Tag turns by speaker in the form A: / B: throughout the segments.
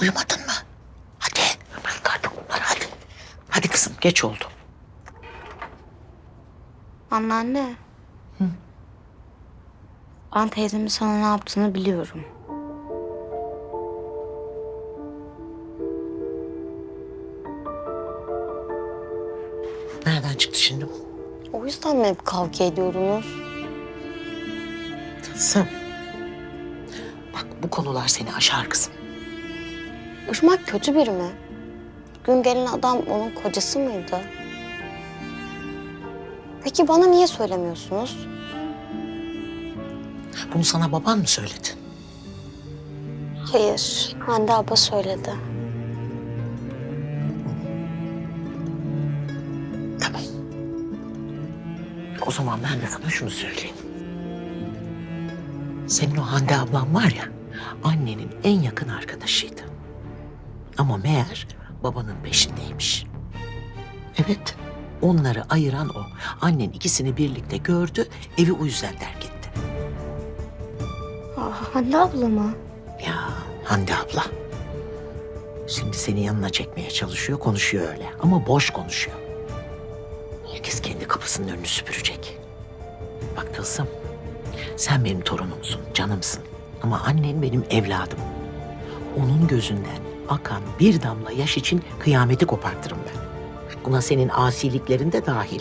A: Uyumadın mı? Hadi. Bırak artık bunları hadi. Hadi kızım geç oldu.
B: Anneanne. Hı? Ben teyzemin sana ne yaptığını biliyorum.
A: Nereden çıktı şimdi bu?
B: O yüzden mi hep kavga ediyordunuz?
A: Tılsım. Bak bu konular seni aşar kızım.
B: Irmak kötü biri mi? Gün gelen adam onun kocası mıydı? Peki bana niye söylemiyorsunuz?
A: Bunu sana baban mı söyledi?
B: Hayır, Hande abla söyledi.
A: Tamam. O zaman ben de sana şunu söyleyeyim. Senin o Hande ablan var ya, annenin en yakın arkadaşıydı. Ama meğer babanın peşindeymiş. Evet, onları ayıran o. Annen ikisini birlikte gördü, evi o yüzden terk etti.
B: Hande abla mı?
A: Ya Hande abla. Şimdi seni yanına çekmeye çalışıyor, konuşuyor öyle. Ama boş konuşuyor. Herkes kendi kapısının önünü süpürecek. Bak Tılsım, sen benim torunumsun, canımsın. Ama annen benim evladım. Onun gözünden akan bir damla yaş için kıyameti kopartırım ben. Buna senin asiliklerin de dahil.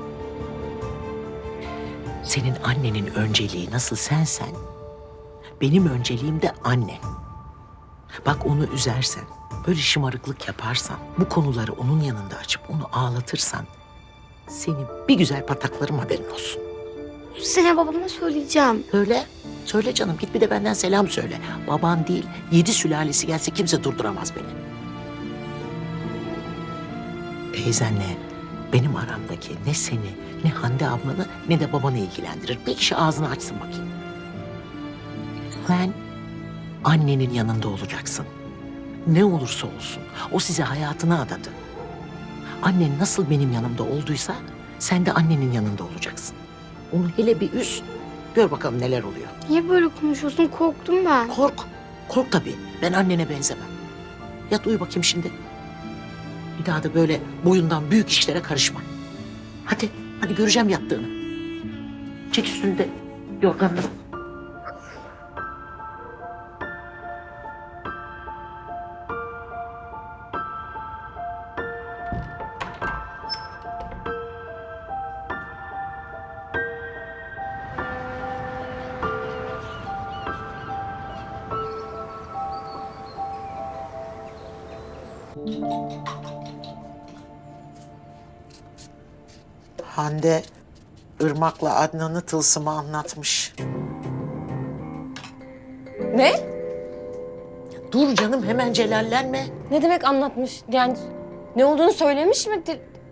A: Senin annenin önceliği nasıl sensen, benim önceliğim de annen. Bak onu üzersen, böyle şımarıklık yaparsan, bu konuları onun yanında açıp onu ağlatırsan, seni bir güzel pataklarım haberin olsun.
B: Seni babama söyleyeceğim.
A: Söyle, söyle canım. Git bir de benden selam söyle. Baban değil, 7 sülalesi gelse kimse durduramaz beni. Teyzenle benim aramdaki ne seni, ne Hande ablanı, ne de babanı ilgilendirir. Bir kişi ağzını açsın bakayım. Sen annenin yanında olacaksın. Ne olursa olsun. O size hayatını adadı. Annen nasıl benim yanımda olduysa sen de annenin yanında olacaksın. Onu hele bir üz. Gör bakalım neler oluyor.
B: Niye böyle konuşuyorsun? Korktum ben.
A: Kork. Kork tabii. Ben annene benzemem. Yat uyu bakayım şimdi. Bir daha da böyle boyundan büyük işlere karışma. Hadi. Hadi göreceğim yattığını. Çek üstünde yorganını. Hande Irmak'la Adnan'ı Tılsım'a anlatmış.
C: Ne?
A: Dur canım hemen celallenme.
C: Ne demek anlatmış? Yani ne olduğunu söylemiş mi?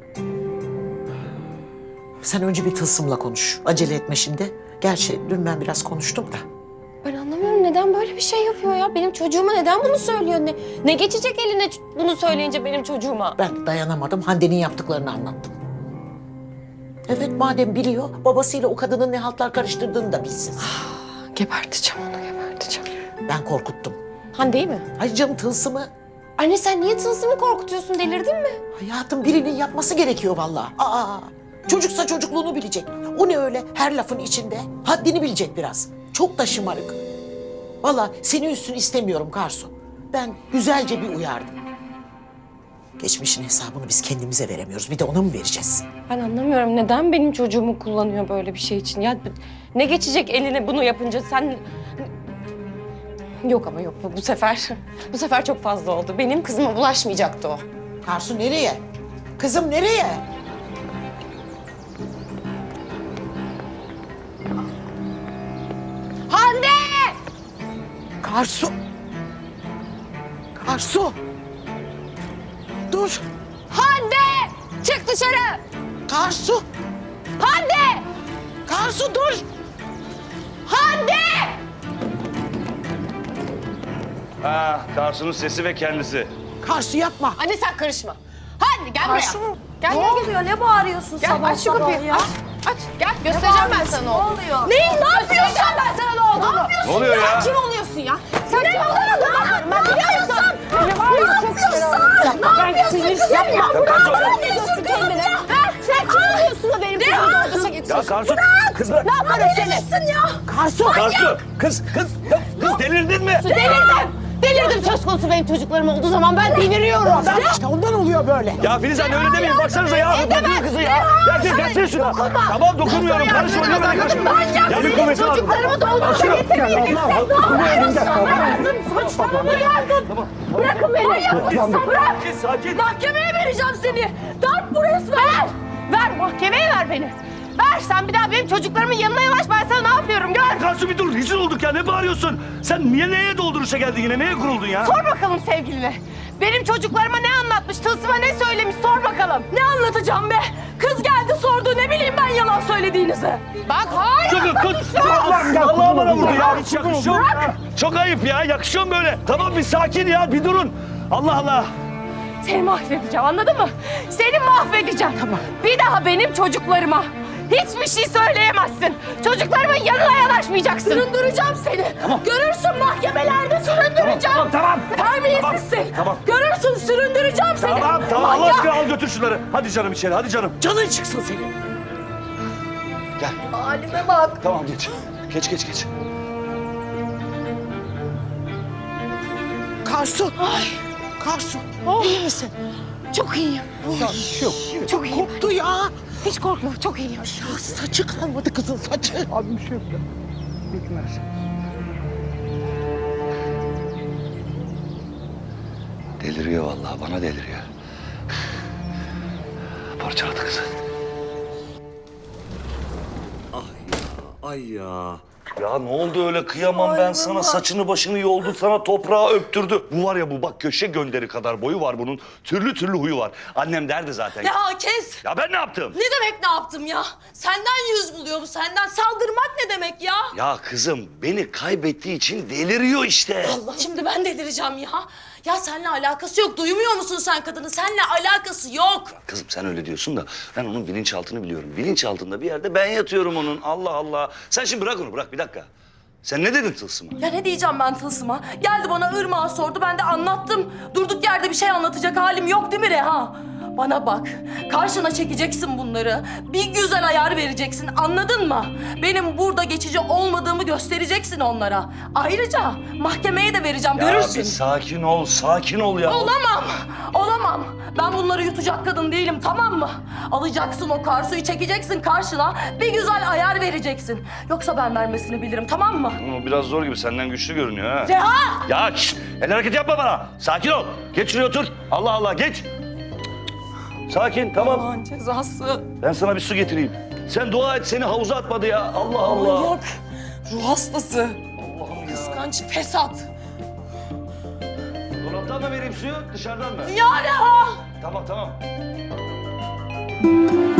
A: Sen önce bir Tılsım'la konuş. Acele etme şimdi. Gerçi dün ben biraz konuştum da.
C: Ben anlamıyorum neden böyle bir şey yapıyor ya? Benim çocuğuma neden bunu söylüyor? Ne geçecek eline bunu söyleyince benim çocuğuma?
A: Ben dayanamadım. Hande'nin yaptıklarını anlattım. Evet madem biliyor, babasıyla o kadının ne haltlar karıştırdığını da bilsin.
C: Geberteceğim onu, geberteceğim.
A: Ben korkuttum.
C: Hande'yi mi?
A: Hayır canım Tılsım'ı.
C: Anne sen niye Tılsım'ı korkutuyorsun? Delirdin mi?
A: Hayatım birinin yapması gerekiyor vallahi. Çocuksa çocukluğunu bilecek. O ne öyle her lafın içinde? Haddini bilecek biraz. Çok da şımarık. Vallahi seni üstün istemiyorum Karsu. Ben güzelce bir uyardım. Geçmişin hesabını biz kendimize veremiyoruz. Bir de ona mı vereceğiz?
C: Ben anlamıyorum neden benim çocuğumu kullanıyor böyle bir şey için? Ya ne geçecek eline bunu yapınca sen... Yok ama yok bu sefer. Bu sefer çok fazla oldu. Benim kızıma bulaşmayacaktı o.
A: Karsu nereye? Kızım nereye?
C: Hande!
A: Karsu! Karsu! Dur!
C: Hande! Çık dışarı!
A: Karsu!
C: Hande!
A: Karsu dur!
C: Hande!
D: Karsu'nun sesi ve kendisi.
A: Karsu yapma!
C: Anne sen karışma. Hande gel buraya. Gel
E: Ne oluyor? Ne bağırıyorsun
C: Gel
E: sabah
C: aç şu
E: sabah
C: kapıyı.
E: ya?
D: Aç. Gel göstereceğim ben sana ne oluyor. Neyin? Ne yapıyorsun? Ben sana ne olduğunu.
E: Ne oluyor ya?
D: Kim oluyorsun ya? Sen kim oluyorsun? Ben biliyor musun? Ne yapıyorsun? Ne yapıyorsun? Yapma. Ne yapıyorsun kendine? Sen kim oluyorsun da benim kızımı doğdursa
E: Ya
D: getiriyorsun?
E: Karsu, kız bırak.
D: Ne yaparım seni? Ya.
E: Karsu, kız delirdin mi?
D: Delirdim söz konusu benim çocuklarım olduğu zaman ben deliriyorum.
A: İşte ondan oluyor böyle.
E: Ya Filiz anne öyle demeyin. Baksanıza ya. Bırakın kızı ya. Ya gelsene şuna. Tamam dokunmuyorum. Karışma. Ne bana karışma. Ya bir kuvveti var.
D: Çocuklarımı doğdursa getirmeyeceksin. Ne yapıyorsun? Saçmalama yardım. Bırakın beni. Bırak.
E: Sakin.
D: Mahkemeye vereceğim seni. Darp bu resmen. Ver mahkemeye ver beni. Ver sen bir daha benim çocuklarımın yanına yanaş ben sana ne yapıyorum gör.
E: Karsu bir dur. Rezil olduk ya. Ne bağırıyorsun? Sen niye neye dolduruşa geldin yine? Neye kuruldun ya?
D: Sor bakalım sevgiline. Benim çocuklarıma ne anlatmış, Tılsım'a ne söylemiş sor bakalım. Ne anlatacağım be? Kız geldi sordu ne bileyim ben yalan söylediğinizi. Bak hayır.
E: Allah'ım bana vurdu ya. Hiç yakışıyor mu? Çok ayıp ya. Yakışıyor mu böyle? Tamam bir sakin ya. Bir durun. Allah Allah.
D: Seni mahvedeceğim anladın mı? Seni mahvedeceğim. Tamam. Bir daha benim çocuklarıma hiçbir şey söyleyemezsin. Çocuklarımın yanına yanaşmayacaksın. Süründüreceğim seni. Tamam. Görürsün mahkemelerde süründüreceğim.
E: Tamam.
D: Terbiyesizsin.
E: Tamam.
D: Görürsün süründüreceğim seni.
E: Tamam. Allah
D: Manyak.
E: aşkına al götür şunları. Hadi canım içeri. Hadi canım.
A: Canın çıksın senin.
E: Gel.
D: Halime bak.
E: Tamam geç. Geç.
A: Karsu. Karsu. İyi misin?
D: Çok iyiyim.
A: Yok.
D: Çok iyiyim.
A: Koptu ya.
D: Hiç korkma çok iyiyim.
A: Ya saçı kalmadı kızın saçı.
F: Abi bir şey yok ya. Bitmez.
E: Deliriyor vallahi. Bana deliriyor. Parçaladı kızı. Ay ya. Ya ne oldu öyle kıyamam ben sana saçını başını yoldu sana toprağa öptürdü. Bu var ya bu bak köşe gönderi kadar boyu var bunun. Türlü huyu var. Annem derdi zaten.
G: Ya kes.
E: Ya ben ne yaptım?
G: Ne demek ne yaptım ya? Senden yüz buluyor bu senden. Saldırmak ne demek ya?
E: Ya kızım beni kaybettiği için deliriyor işte.
G: Allah şimdi ben delireceğim ya. Ya seninle alakası yok. Duymuyor musun sen kadını? Seninle alakası yok.
E: Kızım sen öyle diyorsun da ben onun bilinçaltını biliyorum. Bilinçaltında bir yerde ben yatıyorum onun. Allah Allah. Sen şimdi bırak onu bırak bir dakika. Sen ne dedin Tılsım'a?
G: Ya ne diyeceğim ben Tılsım'a? Geldi bana Irmak'a sordu. Ben de anlattım. Durduk yerde bir şey anlatacak halim yok değil mi Reha? Bana bak. Karşına çekeceksin bunları. Bir güzel ayar vereceksin. Anladın mı? Benim burada geçici olmadığımı göstereceksin onlara. Ayrıca mahkemeye de vereceğim.
E: Ya
G: Görürsün.
E: bir sakin ol ya.
G: Olamam. Ben bunları yutacak kadın değilim, tamam mı? Alacaksın o Karsu'yu, çekeceksin karşına, bir güzel ayar vereceksin. Yoksa ben vermesini bilirim, tamam mı?
E: Ama biraz zor gibi senden güçlü görünüyor ha.
G: Reha!
E: Ya şşt, el hareket yapma bana. Sakin ol. Geç şuraya otur. Allah Allah geç. Sakin tamam.
G: Allah'ın cezası.
E: Ben sana bir su getireyim. Sen dua et seni havuza atmadı ya. Allah Allah.
G: Manyak. Ruh hastası.
E: Allah'ım ya.
G: Kıskanç, fesat.
E: Dolaptan mı vereyim suyu dışarıdan mı?
G: Ya Reha!
E: Tamam.